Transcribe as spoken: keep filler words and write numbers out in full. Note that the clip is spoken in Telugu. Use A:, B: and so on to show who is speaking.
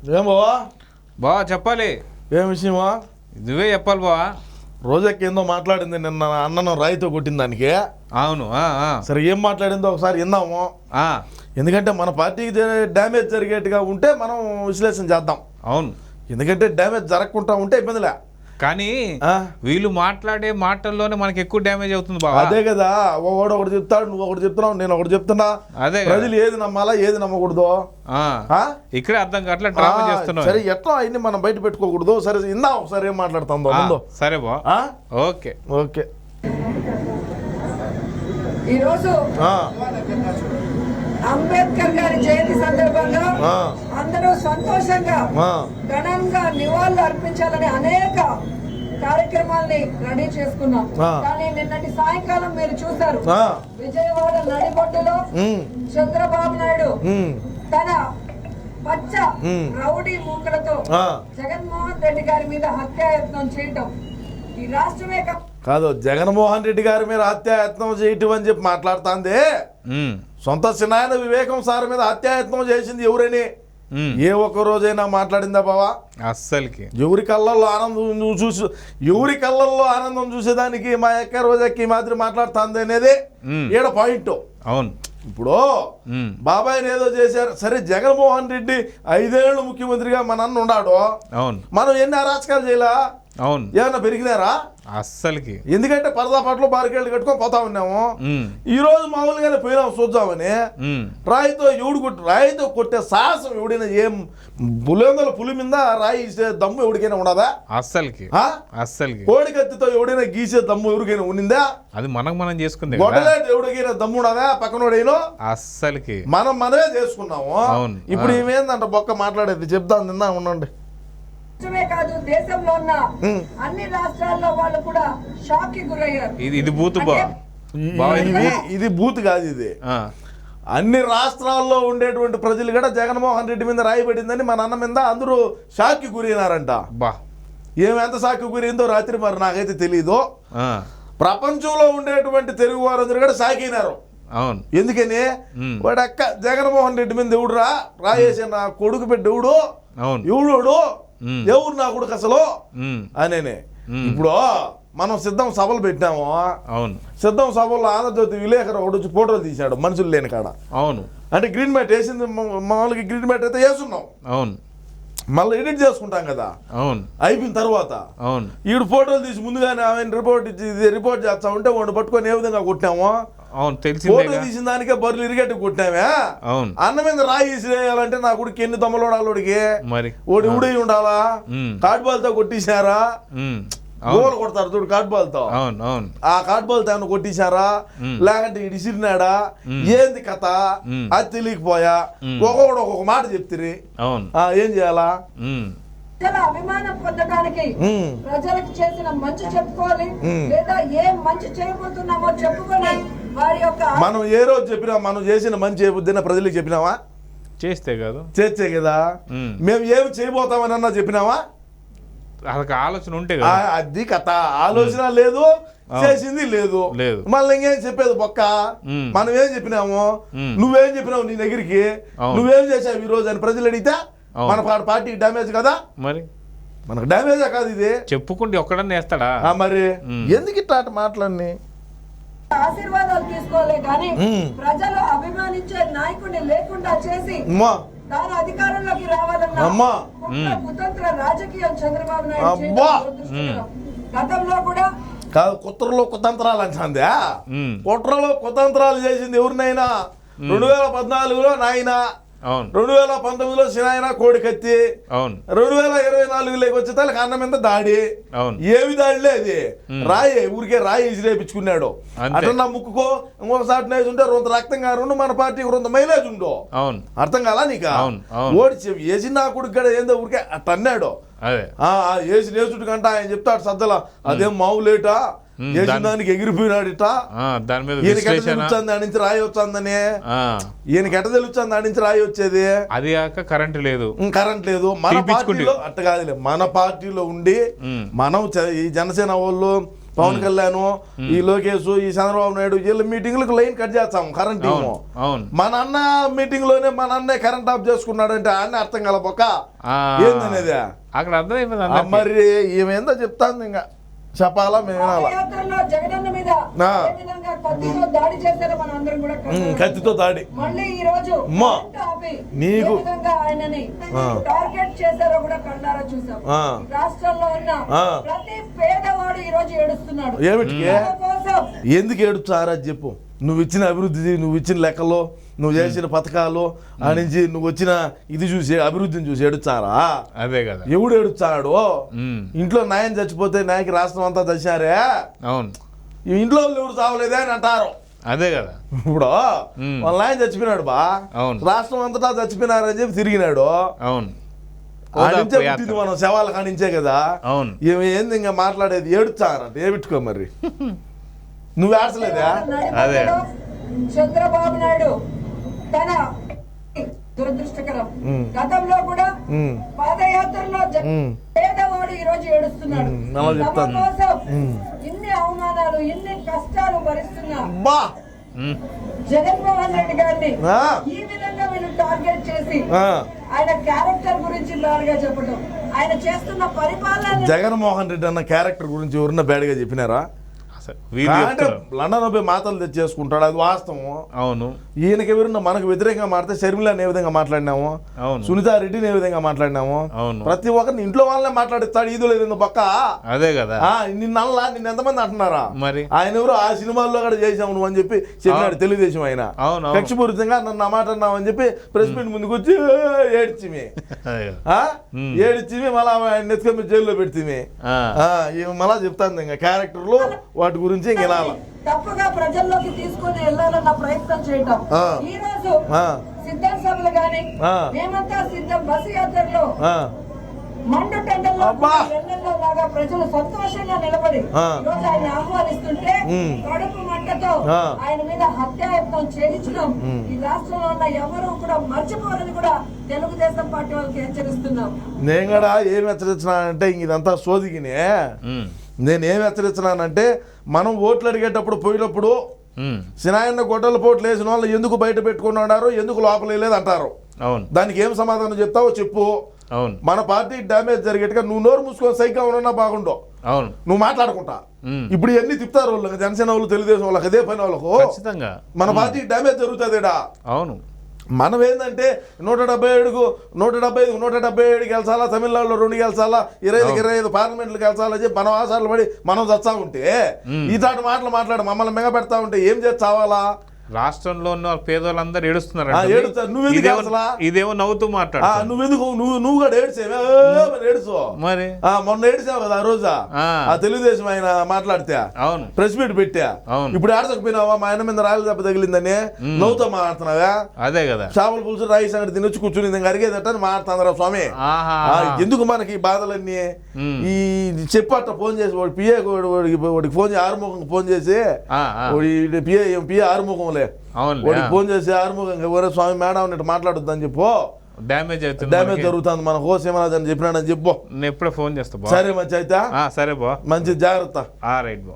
A: ఏం బావా
B: బావా చెప్పాలి.
A: ఏం విషయమా?
B: నువ్వే చెప్పాలి బావా.
A: రోజాకి ఏందో మాట్లాడింది నిన్న అన్నను రాయితో కొట్టిన దానికి.
B: అవును.
A: సరే ఏం మాట్లాడిందో ఒకసారి విందాము. ఎందుకంటే మన పార్టీకి డ్యామేజ్ జరిగేట్టుగా ఉంటే మనం విశ్లేషణ చేద్దాం.
B: అవును,
A: ఎందుకంటే డ్యామేజ్ జరగకుండా ఉంటే ఇబ్బందిలే.
B: కానీ వీళ్ళు మాట్లాడే మాటల్లోనే మనకి ఎక్కువ డ్యామేజ్ అవుతుంది బావా.
A: అదే కదా, ఒకడు ఒకటి చెప్తాడు, నువ్వు ఒకటి చెప్తున్నావు, నేను ఒకటి చెప్తున్నా.
B: అదే
A: ప్రజలు ఏది నమ్మాలా ఏది నమ్మకూడదు
B: ఇక్కడే అర్థం కావట్లే, డ్రామా చేస్తున్నావు.
A: సరే ఎట్లా అన్ని మనం బయట పెట్టుకోకూడదు. సరే ఇందాం ఒకసారి ఏం మాట్లాడుతుందో.
B: సరే బా, ఓకే
A: ఓకే.
C: ఈరోజు అంబేద్కర్ గారి జయంతి సందర్భంగా అందరూ సంతోషంగా ఘనంగా నివాళులు అర్పించాలని అనేక కార్యక్రమాల్ని రెడీ చేసుకున్నాం. కానీ నిన్నటి సాయంకాలం మీరు చూశారు, విజయవాడ నడిబొడ్డులో చంద్రబాబు నాయుడు తన పచ్చ రౌడీ మూకలతో జగన్మోహన్ రెడ్డి గారి మీద హత్యాయత్నం చేయటం ఈ రాష్ట్రమే
A: కాదు, జగన్మోహన్ రెడ్డి గారి మీద హత్యాయత్నం చేయటం అని చెప్పి మాట్లాడుతుంది. సొంత సినాయన వివేకం సార్ మీద హత్యాయత్నం చేసింది ఎవరని ఏ ఒక్క రోజైనా మాట్లాడిందా బావా?
B: అస్సలకి.
A: ఎవరి కళ్ళల్లో ఆనందం నువ్వు చూసి ఎవరి కళ్ళల్లో ఆనందం చూసేదానికి మా యొక్క రోజాకి మాదిరి మాట్లాడుతుంది అనేది ఈడ పాయింట్.
B: అవును.
A: ఇప్పుడు బాబాయ్ని ఏదో చేశారు, సరే జగన్మోహన్ రెడ్డి ఐదేళ్లు ముఖ్యమంత్రిగా మన అన్న ఉన్నాడు.
B: అవును.
A: మనం ఎన్ని అరాచకాలు చేయలా?
B: అవును.
A: ఏమన్నా పెరిగినారా?
B: అస్సలకి.
A: ఎందుకంటే పరదా పట్లు బారికేళ్ళు కట్టుకొని పోతా ఉన్నాము. ఈ రోజు మామూలుగానే పోయినాము చూద్దామని. రాయితో ఎవడు కొట్టి రాయితో కొట్టే సాహసం ఎవడైనా, ఏం పులిందల పులి మీద రాయి ఇసే దమ్ము ఎవడికైనా ఉండదా?
B: అస్సలకి. అస్సలకి.
A: కోడి కత్తితో ఎవడైనా గీసే దమ్ము ఎవరికైనా ఉండిందా?
B: అది మనకు మనం చేసుకుంది.
A: గొడవలేడు ఎవడికైనా దమ్ము ఉండదా? పక్కనోడైనా
B: అస్సలకి
A: మనం మనమే చేసుకున్నాము. ఇప్పుడు ఏమేందంట బొక్క మాట్లాడేది చెప్తాను, నిందా ఉండండి.
C: కాదు, దేశంలో ఉన్న అన్ని రాష్ట్రాల్లో వాళ్ళు కూడా షాక్ కి గురయ్యారు.
B: ఇది ఇది బూత్
A: ఇది బూత్ కాదు, ఇది అన్ని రాష్ట్రాల్లో ఉండేటువంటి ప్రజలు కూడా జగన్మోహన్ రెడ్డి మీద రాయబడిందని మన అన్న మీద అందరూ షాక్ కి గురైనారంట.
B: బా,
A: ఏమి ఎంత షాక్ కి గురైందో రాత్రి మరి నాకైతే తెలీదు. ప్రపంచంలో ఉండేటువంటి తెలుగు వారందరూ కూడా షాక్ అయినారు.
B: అవును.
A: ఎందుకని వాడు అక్క జగన్మోహన్ రెడ్డి మీద ఎవడురా రాయేసి నా కొడుకు పెట్టి ఎవడు ఎవడు ఎవరు నా కొడుకు అసలు అనేనే. ఇప్పుడు మనం సిద్ధం సభలు పెట్టినాము.
B: అవును.
A: సిద్ధం సభల్లో ఆంధ్రజ్యోతి విలేకరు ఒకటి వచ్చి ఫోటోలు తీశాడు మనుషులు లేని కాడ.
B: అవును.
A: అంటే గ్రీన్ మ్యాట్ వేసింది మామూలుగా గ్రీన్ మ్యాట్ అయితే వేస్తున్నాం.
B: అవును.
A: మళ్ళీ ఎడిట్ చేసుకుంటాం కదా.
B: అవును.
A: అయిపోయిన తర్వాత
B: అవును
A: ఈడు ఫోటోలు తీసి ముందుగానే ఆయన రిపోర్ట్ ఇచ్చి రిపోర్ట్ చేస్తా ఉంటే వాడిని పట్టుకొని ఏ విధంగా కొట్టాము.
B: అవును, తెలిసి
A: ఫోటో తీసిన దానికే బర్రెలు ఇరిగేట్టు కొట్టామే.
B: అవును.
A: అన్న మీద రాయి వేయాలంటే నా కొడుకు ఎన్ని దమ్మలు ఉండాలి,
B: మరి
A: ఓడి ఉడి ఉండాలా? కాట్ బాల్తో కొట్టేశారా? గోలు కొడతారు చూడు కాట్ బాల్తో.
B: అవును. అవును.
A: ఆ కాట్ బాల్తో ఏమన్నా కొట్టేశారా లేకంటే ఇటు ఇసిరినాడా? ఏంది కథ అది తెలియకపోయా. ఒక్కొక్కడు ఒక్కొక్క మాట చెప్తిరి.
B: అవును.
A: ఏం చేయాలా?
C: అభిమానం పొందడానికి ప్రజలకు చేసిన మంచి చెప్పుకోవాలి, లేదా ఏం మంచి చేయబోతున్నామో చెప్పుకొని వారి యొక్క
A: మనం ఏ రోజు చెప్పినా మనం చేసిన మంచి చేయబుద్దిన ప్రజలకు చెప్పినావా?
B: చేస్తే కాదు
A: చేస్తే కదా. మేము ఏమి చేయబోతామని అన్నా చెప్పినావా?
B: అదొక ఆలోచన ఉంటే
A: అది కథ. ఆలోచన లేదు, చేసింది లేదు. మళ్ళీ ఇంకేం చెప్పేది బొక్క. మనం ఏం చెప్పినాము, నువ్వేం చెప్పినావు నీ దగ్గరికి, నువ్వేం చేసావు ఈ రోజు అని ప్రజలు అడిగితే మన పార్టీకి డ్యామేజ్ కదా.
B: మరి
A: మనకు డ్యామేజా కాదు ఇది?
B: చెప్పుకుంటే ఒక్కడన్నా వేస్తాడా?
A: మరి ఎందుకు ఇట్లా మాటలన్నీ?
C: ఆశీర్వాదాలు తీసుకోలే కానీ ప్రజలు అభిమానించే నాయకుడిని లేకుండా చేసి తాను అధికారంలోకి రావాలన్నా కుతంత్ర రాజకీయం చంద్రబాబు నాయుడు గతంలో కూడా
A: కాదు. కుట్రలో కుతంత్రాలు అంటుందా? కుట్రలో కుతంత్రాలు చేసింది ఎవరినైనా రెండు వేల పద్నాలుగులో నాయన, రెండు వేల పంతొమ్మిదిలో సినాయన కోడి కత్తి, రెండు వేల ఇరవై నాలుగులోకి వచ్చే తలకి అన్నం మీద దాడి. ఏమి దాడిలే అది? రాయి ఊరికే రాయి ఇసిరేపించుకున్నాడు. అట్లా నా ముక్కుకో ఇంకొకసారి నేసి ఉంటే రొంత రక్తం కారు మన పార్టీకి రొంత మైలేజ్ ఉండో. అర్థం కాలా నీకు? ఓడి వేసి నా కొడుకు గడ ఏందో ఊరికే అట్లా అన్నాడు. వేసి నేసుడు కంట ఆయన చెప్తాడు సద్దలా అదేం మావులేటా వేసిన దానికి ఎగిరిపోయినాడు ఇట. ఈయనకి ఎట్ట తెలుస్తుంది దాని నుంచి రాయి వచ్చిందని? ఈయనకి ఎట్ట తెలుస్తుంది దాని నుంచి రాయి వచ్చేది?
B: అది కాక కరెంట్ లేదు.
A: కరెంట్ లేదు. మన పార్టీలో అట్ట కాదులే, మన పార్టీలో ఉండి మనం ఈ జనసేన వాళ్ళు పవన్ కళ్యాణ్, ఈ లోకేష్, ఈ చంద్రబాబు నాయుడు వీళ్ళ మీటింగ్లకు లైన్ కట్ చేస్తాం కరెంట్ ఏమో.
B: అవును
A: మన అన్న మీటింగ్ లోనే మన అన్నే కరెంట్ ఆఫ్ చేసుకున్నాడంటే అన్నీ అర్థం కలపక ఏందనేది
B: అక్కడ అర్థమైపోయింది.
A: మరి ఏమేందో చెప్తాను ఇంకా చెప్పాలా మేము వినాలా?
C: పాదయాత్రలో జగనన్న మీద
A: ఆ.
C: ఏ విధంగా కత్తితో దాడి చేశారో మనం అందరం కూడా
A: ఉమ్,
C: కన్నాం.
A: కత్తితో దాడి
C: మళ్ళీ ఈ రోజు
A: అమ్మా.
C: కరెంట్ ఆపి
A: నీకు-
C: ఏ విధంగా ఆయనని
A: ఆ.
C: టార్గెట్ చేశారో కూడా కన్నారా చూసాం.
A: ఆ.
C: రాష్ట్రంలో ఉన్న
A: ఆ.
C: ప్రతి పేదవాడు ఈ రోజు ఏడుస్తున్నాడు.
A: ఏమిటికి
C: వాళ్ళ కోసం
A: ఎందుకు ఏడుచారా చెప్పు. నువ్వు ఇచ్చిన అభివృద్ధి, నువ్వు ఇచ్చిన లెక్కలు, నువ్వు చేసిన పథకాలు, ఆ నుంచి నువ్వు వచ్చిన ఇది చూసి అభివృద్ధిని చూసి ఏడుచారా?
B: అదే కదా.
A: ఎవడు ఏడుచాడు?
B: ఉమ్,
A: ఇంట్లో నాయన చచ్చిపోతే నాయకి రాష్ట్రం అంతా దశారే,
B: అవును
A: ఈ ఇంట్లో వాళ్ళు ఎవరు చావలేదే అని అంటారు.
B: అదే కదా.
A: ఇప్పుడు
B: ఉమ్.
A: వాళ్ళ నాయన చచ్చిపోయినాడు బా,
B: అవును.
A: రాష్ట్రం అంతటా చచ్చిపోయినారని చెప్పి తిరిగినాడు.
B: అవును
A: ఆ నుంచే
B: ఓదార్పు యాత్ర.
A: పుట్టింది మనం శవాల కానించే కదా.
B: అవును
A: ఏమి ఏంది ఇంకా మాట్లాడేది? ఏడుచారంట ఏమిట్టుకో మరి. నువ్వు ఏడ్చలేదా?
B: అదే.
C: నడిపడ్డలో చంద్రబాబు నాయుడు తన దురదృష్టకరం.
A: ఉమ్.
C: గతంలో కూడా
A: ఉమ్.
C: పాదయాత్రలో జ-
A: ఉమ్.
C: పేదవాడు ఈ రోజు ఏడుస్తున్నాడు.
A: ఉమ్, అలా
C: తమ
A: చెప్తాను.
C: కోసం
A: ఉమ్.
C: ఇన్ని అవమానాలు, ఇన్ని కష్టాలు భరిస్తున్నా
A: బా
B: ఉమ్,
C: జగన్మోహన్ రెడ్డి గారిని
A: ఆ.
C: ఈ విధంగా వీళ్ళు టార్గెట్ చేసి
A: ఆ.
C: ఆయన క్యారెక్టర్ గురించి బాగా చెప్పడం, ఆయన చేస్తున్న పరిపాలన
A: జగన్మోహన్ రెడ్డి అన్న క్యారెక్టర్ గురించి ఎవరన్నా బ్యాడ్గా చెప్పినారా?
B: అసలు వీళ్ళు
A: అంటే
B: చెప్తున్నారు.
A: లండన్ పోయి మాటలు తెచ్చేసుకుంటాడు, అది వాస్తవం.
B: అవును
A: ఈయనకి ఎవరన్నా మనకు వ్యతిరేకంగా మాట్లాడితే షర్మిలాని ఏ విధంగా మాట్లాడినాము,
B: అవును
A: సునీతా రెడ్డిని ఏ విధంగా మాట్లాడినాము,
B: అవును
A: ప్రతి ఒక్కరిని ఇంట్లో వాళ్ళనే మాట్లాడిస్తాడు. ఈదు లేదు పక్క.
B: అదే కదా.
A: ఆ, నిన్నల్లా నిన్న ఎంతమంది అంటున్నారా?
B: మరి
A: ఆయన ఎవరు ఆ సినిమాల్లో కూడా చేసాము నువ్వు అని చెప్పి చెప్పినాడు తెలుగుదేశం ఆయన.
B: అవును అవును.
A: కక్షపూరితంగా నన్ను ఆ మాట అన్నావు అని చెప్పి ప్రెస్ మీట్ ముందుకు వచ్చి ఏడ్చిమి
B: అదే కదా.
A: ఆ?
B: ఉమ్.
A: ఏడ్చిమి మళ్ళా ఆయన నెత్తుకొని జైల్లో పెడితే
B: ఆ,
A: మళ్ళా చెప్తాను ఇంకా క్యారెక్టర్లు వాటి గురించి ఇంక వినాల.
C: తప్పుగా ప్రజల్లోకి తీసుకొని వెళ్ళాలన్న ప్రయత్నం చేయటం.
A: ఆ.
C: ఈ రోజు
A: ఆ.
C: సిద్ధం సభలు గాని
A: ఆ.
C: మేమంతా సిద్ధం బస్సు యాత్రలో
A: ఆ,
C: మండు టెండల్లో
A: అబ్బా.
C: ఎండల్లో లాగా ప్రజలు సంతోషంగా నిలబడి
A: ఆ.
C: ఈ రోజు ఆయన ఆహ్వానిస్తుంటే
A: ఉమ్.
C: కడుపు మంటతో
A: ఆ.
C: ఆయన మీద హత్యాయత్నం చేయించడం ఈ రాష్ట్రంలో ఉన్న ఎవరు కూడా మర్చిపోరని కూడా తెలుగుదేశం పార్టీ వాళ్ళకి హెచ్చరిస్తున్నాం.
A: నేను కూడా ఏమి హెచ్చరించినానంటే ఇంక ఇదంతా సోదిగినే.
B: ఉమ్,
A: నేను ఏమి హెచ్చరించినానంటే మనం ఓట్లు అడిగేటప్పుడు పోయినప్పుడు
B: ఉమ్,
A: సినాయన్న గొడ్డల పోట్లు వేసిన వాళ్ళు ఎందుకు బయట పెట్టుకున్నారో ఎందుకు లోపల వేయలేదు అంటారు.
B: అవును
A: దానికి ఏం సమాధానం చెప్తావో చెప్పు.
B: అవును
A: మన పార్టీ డ్యామేజ్ జరిగేట్టుగా నువ్వు నోరు మూసుకొని సైకిల్ ఉన్నా బాగుండవు,
B: అవును
A: నువ్వు మాట్లాడుకుంటా.
B: ఉమ్,
A: ఇప్పుడు ఇవన్నీ తిప్పుతారు వాళ్ళకి, జనసేన వాళ్ళు తెలుగుదేశం వాళ్ళకి అదే పని వాళ్ళకు.
B: ఖచ్చితంగా.
A: మన పార్టీ డ్యామేజ్ జరుగుతుందిడా.
B: అవును
A: మనం ఏంటంటే నూట డెబ్బై ఏడుకు నూట డెబ్బై ఐదు నూట డెబ్బై ఏడు గెలిచాలా, తమిళనాడులో రెండు గెలిచాలా, ఇరవై ఐదుకి ఇరవై ఐదు పార్లమెంట్లు గెలిచాలని చెప్పి మనం ఆశాలు పడి మనం చచ్చా ఉంటే ఇలాంటి మాటలు మాట్లాడి మమ్మల్ని మెగ పెడతా ఉంటే ఏం చేసి చావాలా?
B: రాష్ట్రంలో ఉన్న పేదవాళ్ళందరూ ఏడుస్తున్నారు.
A: ఆ, ఏడుస్తారు. నువ్వెందుకు
B: ఇదేమో
A: ఏడ్చలా?
B: ఇదేమో నవ్వుతూ
A: ఆ,
B: మాట్లాడు.
A: నువ్వెందుకు నువ్వు నువ్వు కూడా ఏడ్చేవే ఏడుచు.
B: మరి
A: ఆ, మొన్న ఏడిచావు కదా ఆ రోజా,
B: ఆ.
A: ఆ తెలుగుదేశం ఆయన మాట్లాడితే
B: అవును
A: ప్రెస్ మీట్ పెట్టా.
B: అవును.
A: ఇప్పుడు ఏడచకపోయినావా? మా ఆయన మీద రాయల దెబ్బ తగిలిందని నవ్వుతో మాట్లాడుతున్నావా?
B: అదే కదా.
A: చేపల పులుసు రాయి సంగతి తినొచ్చి కూర్చుని ఇంకా అరిగేదట అని మాట్లాడుతున్నారా స్వామి?
B: ఆహా
A: ఆ, ఎందుకు మనకి ఈ బాధలన్నీ?
B: ఉమ్.
A: ఈ చెప్పట్ట ఫోన్ చేసి వాడు పిఏ వాడికి వాడికి ఫోన్ చేసి ఆరుముఖం ఫోన్ చేసి
B: ఆ, ఆ.
A: వాడి పిఏ పిఏ ఆరుముఖంలే
B: అవునులే.
A: వాడికి ఫోన్ చేసి ఆరుముఖంగా ఎవరో స్వామి మేడం అన్నట్టు మాట్లాడొద్దని చెప్పు,
B: డ్యామేజ్ అవుతుంది
A: డ్యామేజ్
B: మనకి.
A: జరుగుతుంది మన కోసేమని చెప్పినాడని చెప్పు.
B: నేను ఎప్పుడో ఫోన్ చేస్తా బా.
A: సరే మంచి అయితే
B: ఆ, సరే బా.
A: మంచి జాగ్రత్త.
B: ఆ, రైట్ బా.